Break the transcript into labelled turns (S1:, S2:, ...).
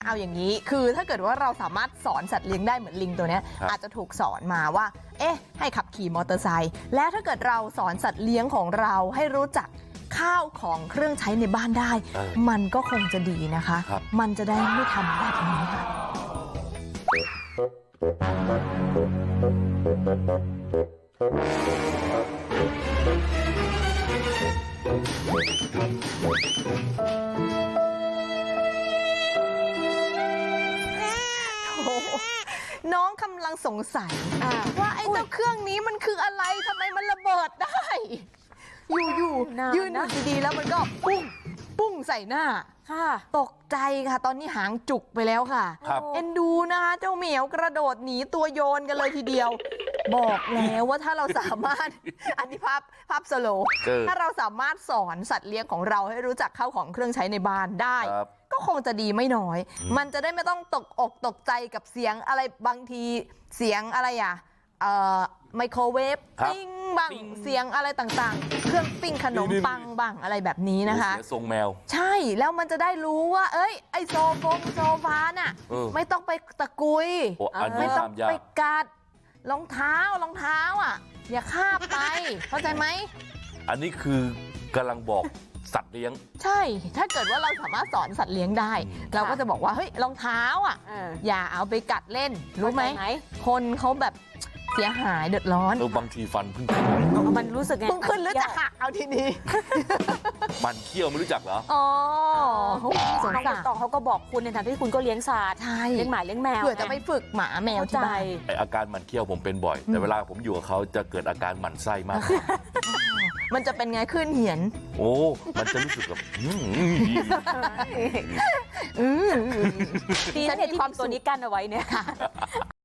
S1: เอาอย่างนี้คือถ้าเกิดว่าเราสามารถสอนสัตว์เลี้ยงได้เหมือนลิงตัวเนี้ยอาจจะถูกสอนมาว่าให้ขับขี่มอเตอร์ไซค์แล้วถ้าเกิดเราสอนสัตว์เลี้ยงของเราให้รู้จักข้าวของเครื่องใช้ในบ้านได้มันก็คงจะดีนะคะมันจะได้ไม่ทำแบบนี้ค่ะน้องกำลังสงสัยว่าไอ้เจ้าเครื่องนี้มันคืออะไรทำไมมันระเบิดได้อยู่ยืนอยู่ดีๆแล้วมันก็ปุ้งใส่หน้าตกใจค่ะตอนนี้หางจุกไปแล้วค่ะเอ็นดูนะคะเจ้าเหมียวกระโดดหนีตัวโยนกันเลยทีเดียวบอกแล้วว่าถ้าเราสามารถอันนี้ภาพสโลว์ถ้าเราสามารถสอนสัตว์เลี้ยงของเราให้รู้จักเข้าของเครื่องใช้ในบ้านได้ก็คงจะดีไม่น้อยมันจะได้ไม่ต้องตกอกตกใจกับเสียงอะไรบางทีเสียงอะไรไมโครเวฟปิ้งบ้างเสียงอะไรต่างๆเครื่องปิ้งขนมปังบ้างอะไรแบบนี้นะคะ
S2: เสียทรงแมว
S1: ใช่แล้วมันจะได้รู้ว่าไอโซฟาน่ะไม่ต้องไปตะกุยไม่ต้องไปกัดรองเท้าอย่าคาบไปเข้าใจไหม
S2: อันนี้คือกำลังบอกสัตว์เลี้ยง
S1: ใช่ถ้าเกิดว่าเราสามารถสอนสัตว์เลี้ยงได้เราก็จะบอกว่าเฮ้ยรองเท้าอย่าเอาไปกัดเล่นรู้ไหมคนเขาแบบเสียหายเดือดร้อน
S2: บางทีฟันเพิ่งขึ้น
S3: มันรู้สึกไง
S1: เพิ่งขึ้นหรือจะหักเอาทีนี้
S2: มันเขี้ยวไม่รู้จักเหรอ
S1: อ๋อสงสาร
S3: ต่อเขาก็บอกคุณในฐานะที่คุณก็เลี้ยงสัตว์เลี้ยงหมาเลี้ยงแมว
S1: เผื่อจะไปฝึกหมาแมวที่บ้าน
S2: อาการมันเขี้ยวผมเป็นบ่อยแต่เวลาผมอยู่กับเขาจะเกิดอาการหมั่นไส้มาก
S1: มันจะเป็นไงขึ้นเหียน
S2: โอ้มันจะรู้สึกแบบ
S3: ดีนะที่ความตัวนี้กั้นเอาไว้เนี่ยค่ะ